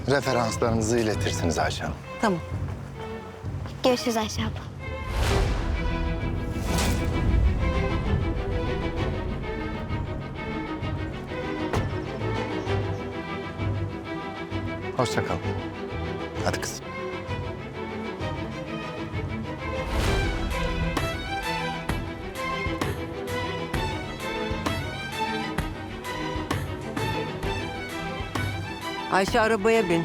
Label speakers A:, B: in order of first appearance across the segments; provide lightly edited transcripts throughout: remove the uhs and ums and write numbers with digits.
A: Referanslarınızı iletirsiniz Ayşe Hanım.
B: Tamam.
C: Görüşürüz Ayşe abla.
A: Hoşça kalın. Hadi kızım.
B: Ayşe arabaya bin.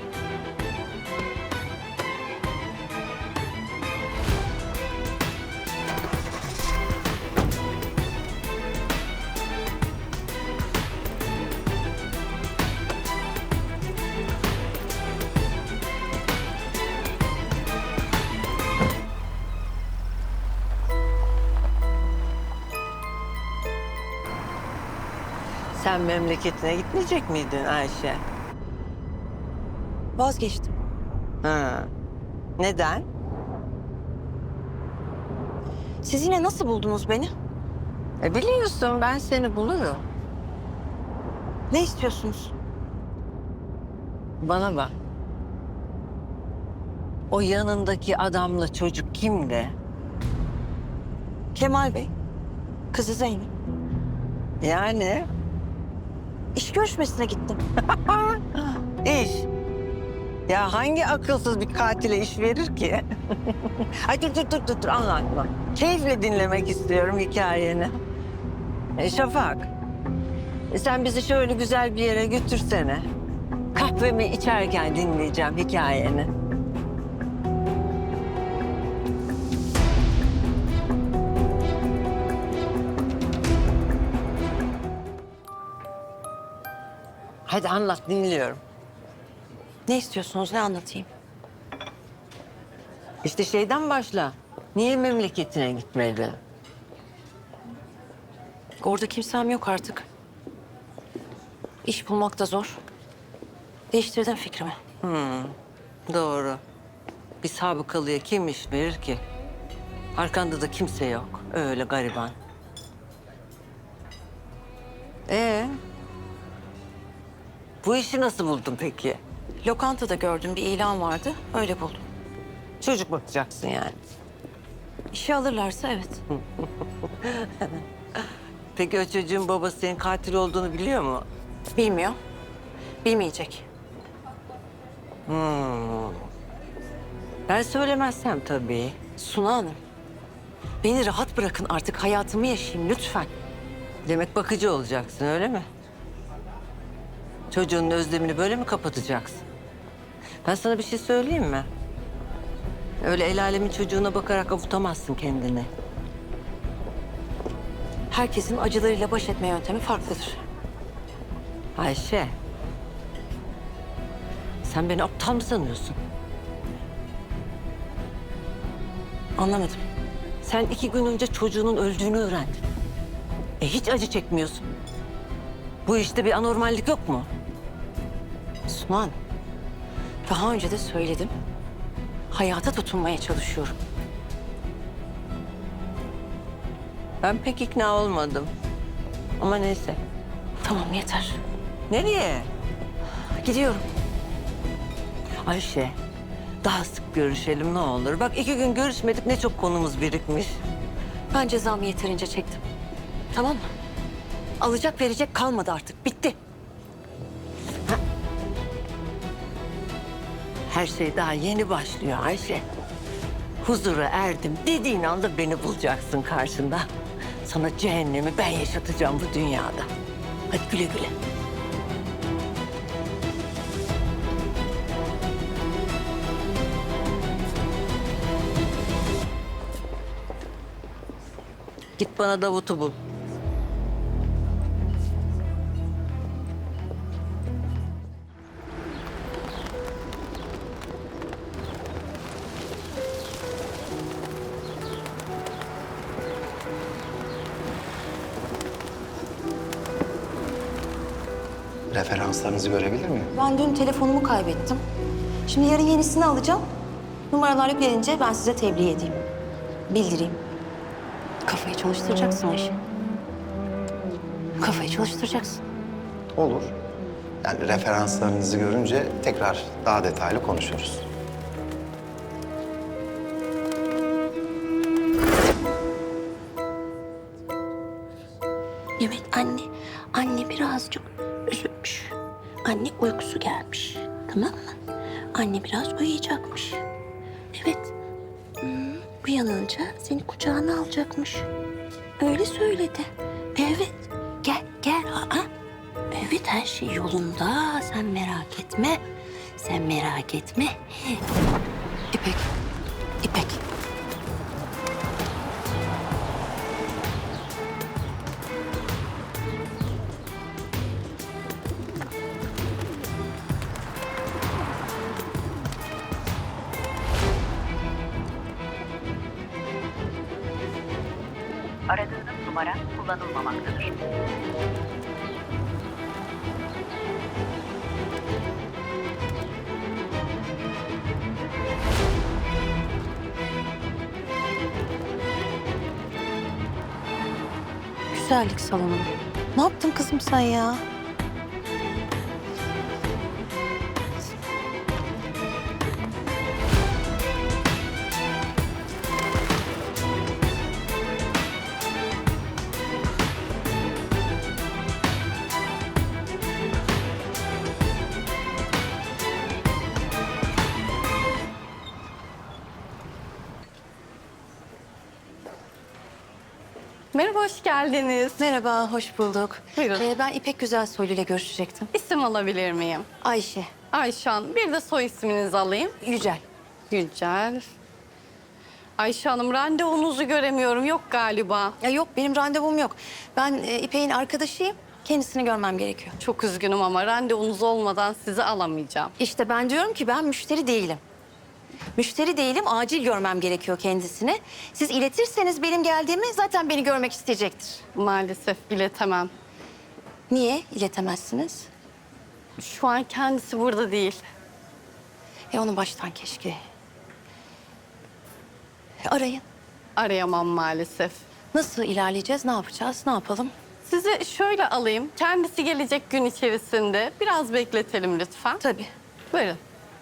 B: Sen memleketine gitmeyecek miydin Ayşe?
D: Vazgeçtim.
B: Ha. Neden?
D: Siz yine nasıl buldunuz beni?
B: Biliyorsun ben seni bulurum.
D: Ne istiyorsunuz?
B: Bana bak. O yanındaki adamla çocuk kimdi?
D: Kemal Bey, kızı Zeynep.
B: Yani
D: İş görüşmesine gittim.
B: iş. Ya hangi akılsız bir katile iş verir ki? Ay dur anlatma. Keyifle dinlemek istiyorum hikayeni. Şafak, sen bizi şöyle güzel bir yere götürsene. Kahvemi içerken dinleyeceğim hikayeni. Hadi anlat, dinliyorum.
D: Ne istiyorsunuz, ne anlatayım?
B: İşte şeyden başla. Niye memleketine gitmedi?
D: Orada kimsem yok artık. İş bulmak da zor. Değiştirdim fikrimi.
B: Doğru. Bir sabıkalıya kim iş verir ki? Arkanda da kimse yok. Öyle gariban. Bu işi nasıl buldun peki?
D: Lokantada gördüm, bir ilan vardı. Öyle buldum.
B: Çocuk bakacaksın yani.
D: İşe alırlarsa evet.
B: Peki o çocuğun babası senin katil olduğunu biliyor mu?
D: Bilmiyor. Bilmeyecek.
B: Ben söylemezsem tabii.
D: Suna Hanım, beni rahat bırakın artık. Hayatımı yaşayayım lütfen.
B: Demek bakıcı olacaksın öyle mi? Çocuğun özlemini böyle mi kapatacaksın? Ben sana bir şey söyleyeyim mi? Öyle el alemin çocuğuna bakarak avutamazsın kendini.
D: Herkesin acılarıyla baş etme yöntemi farklıdır.
B: Ayşe. Sen beni aptal mı sanıyorsun?
D: Anlamadım.
B: Sen 2 gün önce çocuğunun öldüğünü öğrendin. Hiç acı çekmiyorsun. Bu işte bir anormallik yok mu?
D: Suna Hanım, daha önce de söyledim. Hayata tutunmaya çalışıyorum.
B: Ben pek ikna olmadım. Ama neyse.
D: Tamam yeter.
B: Nereye?
D: Gidiyorum.
B: Ayşe, daha sık görüşelim ne olur. Bak 2 gün görüşmedik ne çok konumuz birikmiş.
D: Ben cezamı yeterince çektim. Tamam mı? Alacak verecek kalmadı artık. Bitti.
B: Her şey daha yeni başlıyor Ayşe. Huzura erdim dediğin anda beni bulacaksın karşında. Sana cehennemi ben yaşatacağım bu dünyada. Hadi güle güle. Git bana Davut'u bul.
A: Referanslarınızı görebilir miyim?
D: Ben dün telefonumu kaybettim. Şimdi yarın yenisini alacağım. Numaralar yüklenince ben size tebliğ edeyim. Bildireyim. Kafayı çalıştıracaksın Ayşe. Kafayı çalıştıracaksın.
A: Olur. Yani referanslarınızı görünce tekrar daha detaylı konuşuruz.
D: Evet anne. Anne birazcık üzülmüş. Anne uykusu gelmiş. Tamam mı? Anne biraz uyuyacakmış. Evet. Uyanınca seni kucağına alacakmış. Öyle söyledi. Evet. Gel gel. Aa. Evet her şey yolunda. Sen merak etme. Sen merak etme. İpek. İpek.
E: Aradığınız numara kullanılmamaktadır.
D: Güzellik salonu. Ne yaptın kızım sen ya?
F: Merhaba, hoş geldiniz.
D: Merhaba, hoş bulduk.
F: Buyurun.
D: Ben İpek Güzelsoylu ile görüşecektim.
F: İsim alabilir miyim?
D: Ayşe,
F: Ayşan. Bir de soy isminizi alayım.
D: Yücel.
F: Yücel. Ayşe Hanım, randevunuzu göremiyorum. Yok galiba.
D: Ya yok, benim randevum yok. Ben İpek'in arkadaşıyım. Kendisini görmem gerekiyor.
F: Çok üzgünüm ama randevunuz olmadan sizi alamayacağım.
D: İşte ben diyorum ki ben müşteri değilim. Müşteri değilim, acil görmem gerekiyor kendisini. Siz iletirseniz benim geldiğimi zaten beni görmek isteyecektir.
F: Maalesef iletemem.
D: Niye iletemezsiniz?
F: Şu an kendisi burada değil.
D: Onu baştan keşke. Arayın.
F: Arayamam maalesef.
D: Nasıl ilerleyeceğiz, ne yapacağız, ne yapalım?
F: Sizi şöyle alayım. Kendisi gelecek gün içerisinde. Biraz bekletelim lütfen.
D: Tabii.
F: Buyurun.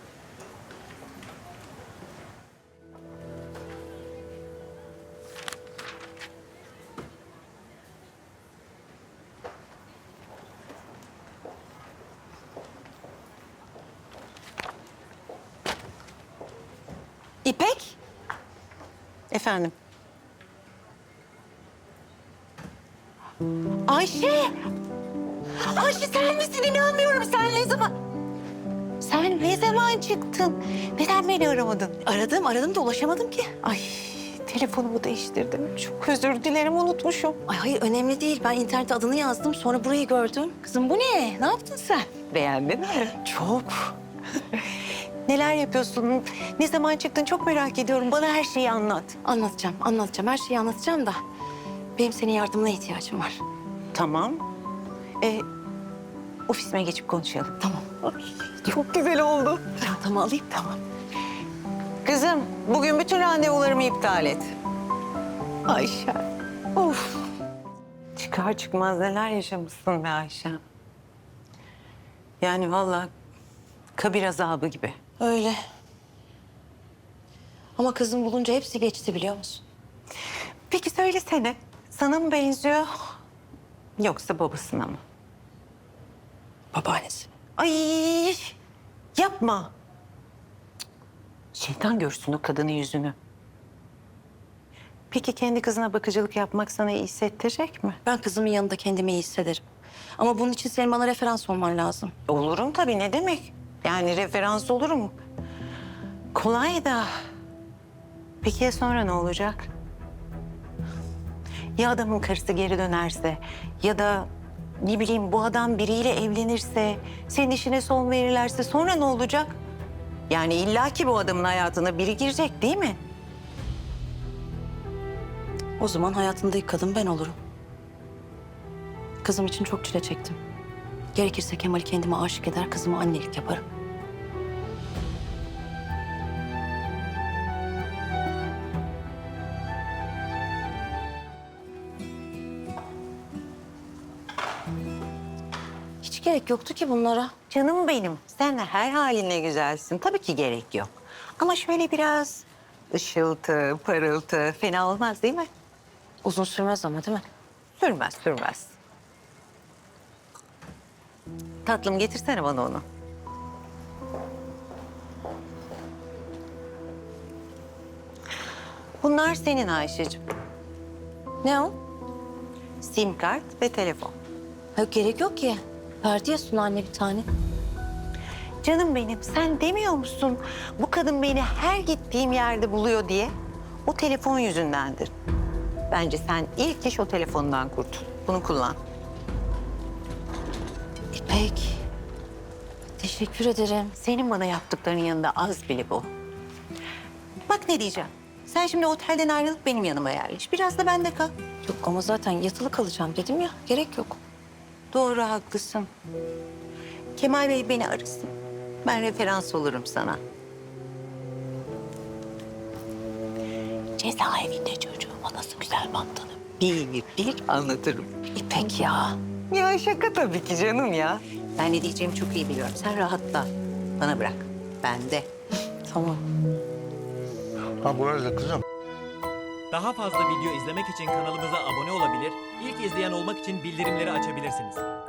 D: İpek?
G: Efendim?
D: Ayşe! Ayşe sen misin? İnanmıyorum. Sen ne zaman...
G: Sen ne zaman çıktın? Neden beni aramadın?
D: Aradım da ulaşamadım ki.
G: Ay, telefonumu değiştirdim. Çok özür dilerim, unutmuşum.
D: Ay hayır önemli değil. Ben internette adını yazdım. Sonra burayı gördüm. Kızım bu ne? Ne yaptın sen?
G: Beğendin mi? Çok. Neler yapıyorsun? Ne zaman çıktın? Çok merak ediyorum. Bana her şeyi anlat.
D: Anlatacağım. Her şeyi anlatacağım da. Benim senin yardımına ihtiyacım var.
G: Tamam. Ofisime geçip konuşalım.
D: Tamam.
G: Çok güzel oldu.
D: Çantamı alayım.
G: Tamam. Kızım, bugün bütün randevularımı iptal et. Ayşe. Of. Çıkar çıkmaz neler yaşamışsın be Ayşe. Yani vallahi kabir azabı gibi.
D: Öyle. Ama kızım bulunca hepsi geçti biliyor musun?
G: Peki söylesene, sana mı benziyor yoksa babasına mı?
D: Babaannesi.
G: Ay yapma. Şeytan görsün o kadının yüzünü. Peki kendi kızına bakıcılık yapmak sana iyi hissettirecek mi?
D: Ben kızımın yanında kendimi iyi hissederim. Ama bunun için senin bana referans olman lazım.
G: Olurum tabii, ne demek? Yani referans olurum. Kolay da. Peki ya sonra ne olacak? Ya adamın karısı geri dönerse ya da ne bileyim bu adam biriyle evlenirse, senin işine son verirlerse sonra ne olacak? Yani illaki bu adamın hayatına biri girecek değil mi?
D: O zaman hayatında ilk kadın ben olurum. Kızım için çok çile çektim. Gerekirse Kemal'i kendime aşık eder, kızıma annelik yaparım. gerek yoktu ki bunlara.
G: Canım benim, sen de her haline güzelsin. Tabii ki gerek yok. Ama şöyle biraz ışıltı, parıltı fena olmaz değil mi?
D: Uzun sürmez ama değil mi?
G: Sürmez, sürmez. Tatlım getirsene bana onu. Bunlar senin Ayşe'cim.
D: Ne o?
G: SIM kart ve telefon.
D: Yok gerek yok ki. Verdi ya Sunu anne bir tane.
G: Canım benim, sen demiyor musun bu kadın beni her gittiğim yerde buluyor diye? O telefon yüzündendir. Bence sen ilk iş o telefondan kurtul. Bunu kullan.
D: İpek. Teşekkür ederim.
G: Senin bana yaptıklarının yanında az bile bu. Bak ne diyeceğim. Sen şimdi otelden ayrılıp benim yanıma yerleş. Biraz da bende kal.
D: Yok ama zaten yatılı kalacağım dedim ya. Gerek yok.
G: Doğru, haklısın. Kemal Bey beni arasın. Ben referans olurum sana. Cezaevinde çocuğuma nasıl güzel baktığını bir anlatırım.
D: İpek ya.
G: Ya şaka tabii ki canım ya. Ben ne diyeceğimi çok iyi biliyorum. Sen rahatla. Bana bırak. Ben de.
D: Tamam.
H: Ha bu arada kızım.
I: Daha fazla video izlemek için kanalımıza abone olabilir, ilk izleyen olmak için bildirimleri açabilirsiniz.